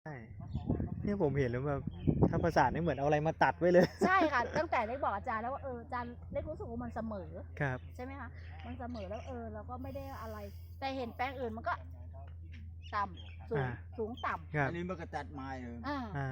เนี่ยผมเห็นแล้วแบบถ้าประสานนี่เหมือนเอาอะไรมาตัดไว้เลยใช่ค่ะตั้งแต่เล็กบอกอาจารย์แล้วว่าอาจารย์เล็กรู้สึกว่ามันเสมอครับใช่ไหมคะมันเสมอแล้วเราก็ไม่ได้อะไร แต่เห็นแปลงอื่นมันก็ต่ำสูงต่ำอันนี้มันก็ตัดไม้เลย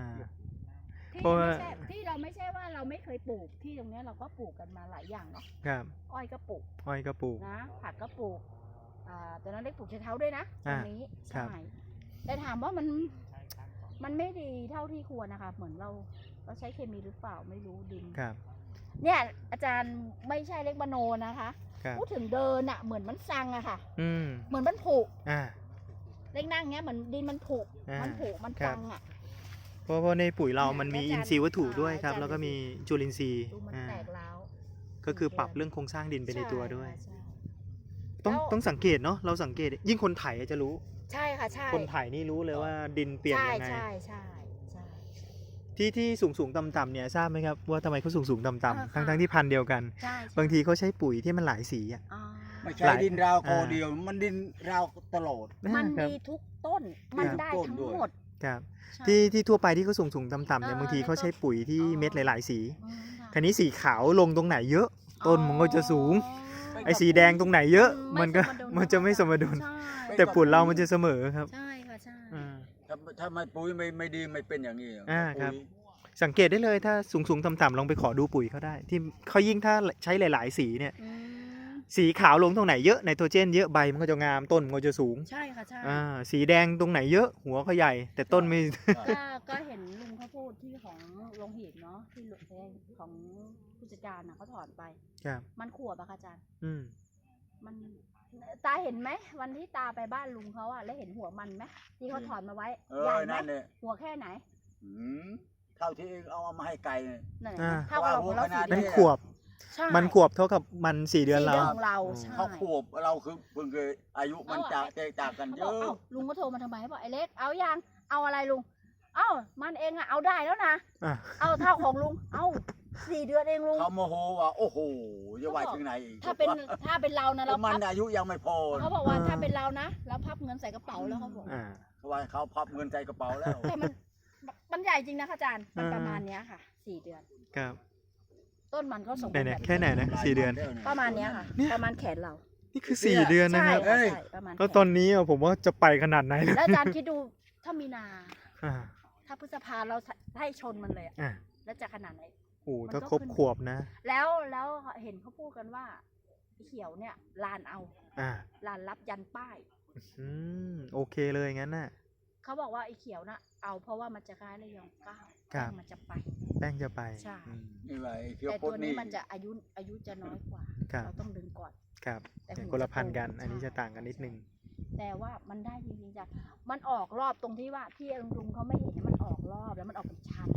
ที่เราไม่ใช่ว่าเราไม่เคยปลูกที่ตรงนี้เราก็ปลูกกันมาหลายอย่างเนาะครับอ้อยก็ปลูกนะผักก็ปลูกตอนนั้นเล็กปลูกชะเท้าด้วยนะตรงนี้ใช่แต่ถามว่ามันไม่ดีเท่าที่ควรนะคะเหมือนเราใช้เคมีหรือเปล่าไม่รู้ดินเนี่ยอาจารย์ไม่ใช่เล็กมโนนะคะพูดถึงเดินอะเหมือนมันซังอะค่ะเหมือนมันผุเล็กนั่งเงี้ยเหมือนดินมันผุมันซังอะเพราะในปุ๋ยเรามันมีอินทรีย์วัตถุด้วยครับแล้วก็มีจุลินทรีย์ก็คือปรับเรื่องโครงสร้างดินไปในตัวด้วยต้องสังเกตเนาะเราสังเกตยิ่งคนไถจะรู้ใช่ค่ะใช่คนไถนี่รู้เลยว่าดินเปลี่ยนยังไงใช่ที่สูงต่ำเนี่ยทราบไหมครับว่าทำไมเขาสูงต่ำทั้งที่พันธุ์เดียวกันบางทีเขาใช้ปุ๋ยที่มันหลายสีอ่ะไม่ใช่ดินราวโคเดียวมันดินราวตลอดมันดีทุกต้นมันได้ทั้งหมดครับที่ทั่วไปที่เขาสูงต่ำเนี่ยบางทีเขาใช้ปุ๋ยที่เม็ดหลายๆสีคันนี้สีขาวลงตรงไหนเยอะต้นมันก็จะสูงไอ้สีแดงตรงไหนเยอะมันจะไม่สมดุลแต่ปุ๋ยเรามันจะเสมอครับใช่ค่ะใช่ถ้าไม่ปุ๋ยไม่ดีไม่เป็นอย่างนี้ครับสังเกตได้เลยถ้าสูงต่ำลองไปขอดูปุ๋ยเขาได้ที่เขายิ่งถ้าใช้หลายๆสีเนี่ยสีขาวลงตรงไหนเยอะไนโตรเจนเยอะใบมันก็จะงามต้นมันก็จะสูงใช่ค่ะใช่สีแดงตรงไหนเยอะหัวเขาใหญ่แต่ต้นไม่ก็เห็นลุงเขาพูดที่ของโรงหีบเนาะที่ของผู้จัดการเขาถอนไปมันขวบอะค่ะอาจารย์มันตาเห็นไหมวันที่ตาไปบ้านลุงเขาอะแล้วเห็นหัวมันไหมที่เขาถอนมาไว้ใหญ่ไหมหัวแค่ไหนเท่าที่เอามาให้ไก่เท่ากับเราเป็นขวบมันขวบเท่ากับมัน4 เดือนเราเขาขวบเราคือเพิ่งเคยอายุมันแตกต่างกันเยอะลุงก็โทรมาทำไมบอกไอ้เล็กเอายังเอาอะไรลุงมันเองอะเอาได้แล้วนะเอาเท่าของลุงเอา4 เดือนเองลุงเขาโมโหว่าโอ้โหจะไหวถึงไหนถ้าเป็นเรานะเรามันอายุยังไม่พอเขาบอกว่าถ้าเป็นเรานะเราพับเงินใส่กระเป๋าแล้วเขาบอกว่าเขาพับเงินใส่กระเป๋าแล้วแต่มันใหญ่จริงนะอาจารย์มันประมาณนี้ค่ะ4 เดือนครับต้นมันก็สมบูรณ์แค่ไหนนะ4 เดือนประมาณนี้ค่ะประมาณแขนเรานี่คือ4 เดือนนะครับแล้วตอนนี้ผมว่าจะไปขนาดไหนแล้วอาจารย์คิดดูถ้ามีนาถ้าพฤษภาเราให้ชนมันเลยแล้วจะขนาดไหนโอ้ถ้าครบขวบนะแล้วเห็นเขาพูดกันว่าเขียวเนี่ยลานเอาลานรับยันป้ายโอเคเลยงั้นน่ะเขาบอกว่าไอ้เขียวนะเอาเพราะว่ามันจะคล้ายระยอง9แป้งมันจะไปแป้งจะไปใช่แต่ตัวนี้มันจะอายุจะน้อยกว่าเราต้องดึงก่อนครับแต่คนละพันกันอันนี้จะต่างกันนิดนึงแต่ว่ามันได้จริงๆจ้ะมันออกรอบตรงที่ว่าที่ลุงเขาไม่เห็นมันออกรอบแล้วมันออกเป็นชั้น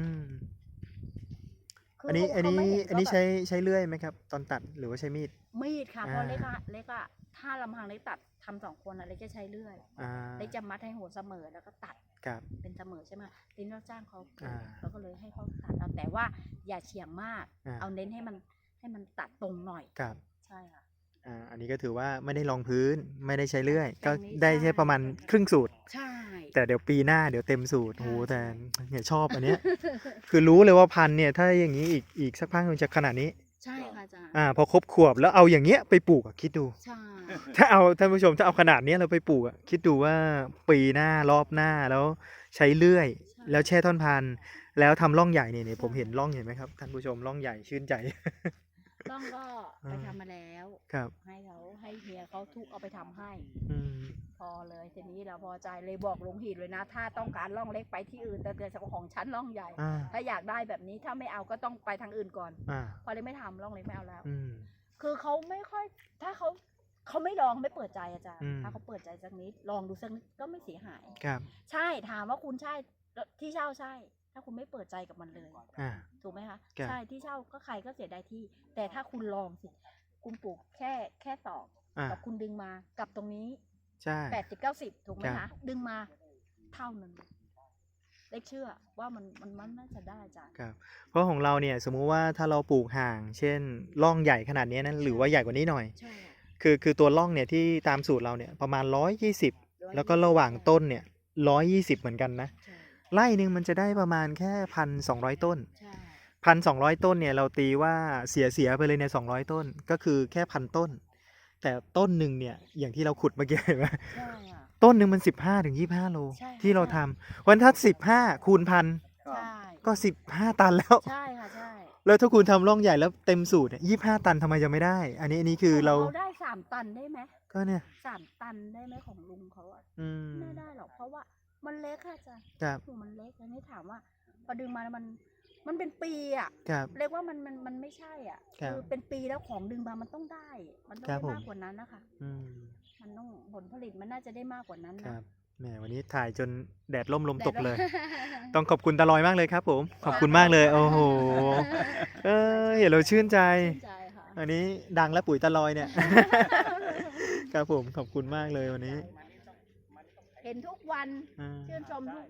อันนี้ใช้เลื่อยไหมครับตอนตัดหรือว่าใช้มีดค่ะเพราะเล็กอะถ้าลำพังเล็กตัดทำ2 คนอะเล็กจะใช้เลื่อยเล็กจะมัดให้หัวเสมอแล้วก็ตัดเป็นเสมอใช่ไหมทีนี้เราจ้างเขาเราก็เลยให้เขาตัดเอาแต่ว่าอย่าเฉียงมากเอาเน้นให้มันตัดตรงหน่อยใช่ค่ะอันนี้ก็ถือว่าไม่ได้รองพื้นไม่ได้ใช้เลื่อยก็ได้แค่ประมาณครึ่งสูตรใช่แต่เดี๋ยวปีหน้าเดี๋ยวเต็มสูตรโหแต่เนี่ยชอบอันเนี้ยคือรู้เลยว่าพันเนี่ยถ้าอย่างนี้อีกสักพักมันจะขนาดนี้ใช่ค่ะอาจารย์พอครบขวบแล้วเอาอย่างเงี้ยไปปลูกคิดดูใช่ถ้าท่านผู้ชมถ้าเอาขนาดนี้เราไปปลูกคิดดูว่าปีหน้ารอบหน้าแล้วใช้เลื่อยแล้วแช่ท่อนพันแล้วทำร่องใหญ่เนี่ยผมเห็นร่องเห็นไหมครับท่านผู้ชมร่องใหญ่ชื่นใจร่องก็ไปทำมาแล้วให้เฮียเขาทุกเอาไปทำให้พอเลยทีนี้เราพอใจเลยบอกลุงหีดเลยนะถ้าต้องการร่องเล็กไปที่อื่นแต่เกิดของชั้นร่องใหญ่ถ้าอยากได้แบบนี้ถ้าไม่เอาก็ต้องไปทางอื่นก่อนพอเลยไม่ทำร่องเล็กไม่เอาแล้วคือเขาไม่ค่อยถ้าเขาไม่ลองไม่เปิดใจอาจารย์ถ้าเขาเปิดใจสักนิดลองดูสักนิดก็ไม่เสียหายใช่ถามว่าคุณใช่ที่เช่าใช่ถ้าคุณไม่เปิดใจกับมันเลยถูกไหมคะใช่ที่เช่าก็ใครก็เสียดายที่แต่ถ้าคุณลองสิคุณปลูกแค่ตอกกับคุณดึงมากับตรงนี้ใช่ 80-90ถูกไหมคะดึงมาเท่านึงเล็กเชื่อว่ามันน่าจะได้จ้ะครับเพราะของเราเนี่ยสมมุติว่าถ้าเราปลูกห่างเช่นร่องใหญ่ขนาดนี้นั้นหรือว่าใหญ่กว่านี้หน่อยคือตัวร่องเนี่ยที่ตามสูตรเราเนี่ยประมาณ120แล้วก็ระหว่างต้นเนี่ย120เหมือนกันนะไร่หนึ่งมันจะได้ประมาณแค่1,200 ต้นใช่ 1,200 ต้นเนี่ยเราตีว่าเสียไปเลยใน200 ต้นก็คือแค่1,000 ต้น แต่ต้นหนึ่งเนี่ยอย่างที่เราขุดเมื่อกี้เห็นไหมใช่ค่ะต้นหนึ่งมัน15 ถึง 25 โลใช่ค่ะที่เราทำวันถ้า15 คูณ 1,000 ครับใช่ก็15 ตันแล้วใช่ค่ะใช่แล้วถ้าคุณทำร่องใหญ่แล้วเต็มสูตรเนี่ย25 ตันทำไมจะไม่ได้ อันนี้คือเราได้3 ตันได้ไหมก็เนี่ย 3 ตันได้ไหมของลุงเขาอะอืมไม่ได้หรอกเพราะว่ามันเล็กค่ะจ้ะครับหูมันเล็กอันนี้ถามว่าพอดึงมาแล้วมันเป็นปีอะครับเรียกว่ามันไม่ใช่อ่ะครับคือเป็นปีแล้วของดึงมามันต้องได้ มันต้องครับได้ผมมากกว่านั้นนะคะอืมมันต้องผลผลิตมันน่าจะได้มากกว่านั้นคนะรับแหมวันนี้ถ่ายจนแดดล่มลมตกเลยแต่ต้องขอบคุณตาลอยมากเลยครับผม ขอบคุณมากเลย โอ้โห เห็นเราชื่นใจชื่นใจค่ะอันนี้ดังแล้วปุ๋ยตาลอยเนี่ย ครับผมขอบคุณมากเลยวันนี้เห็นทุกวันอ่าชื่นชมทุก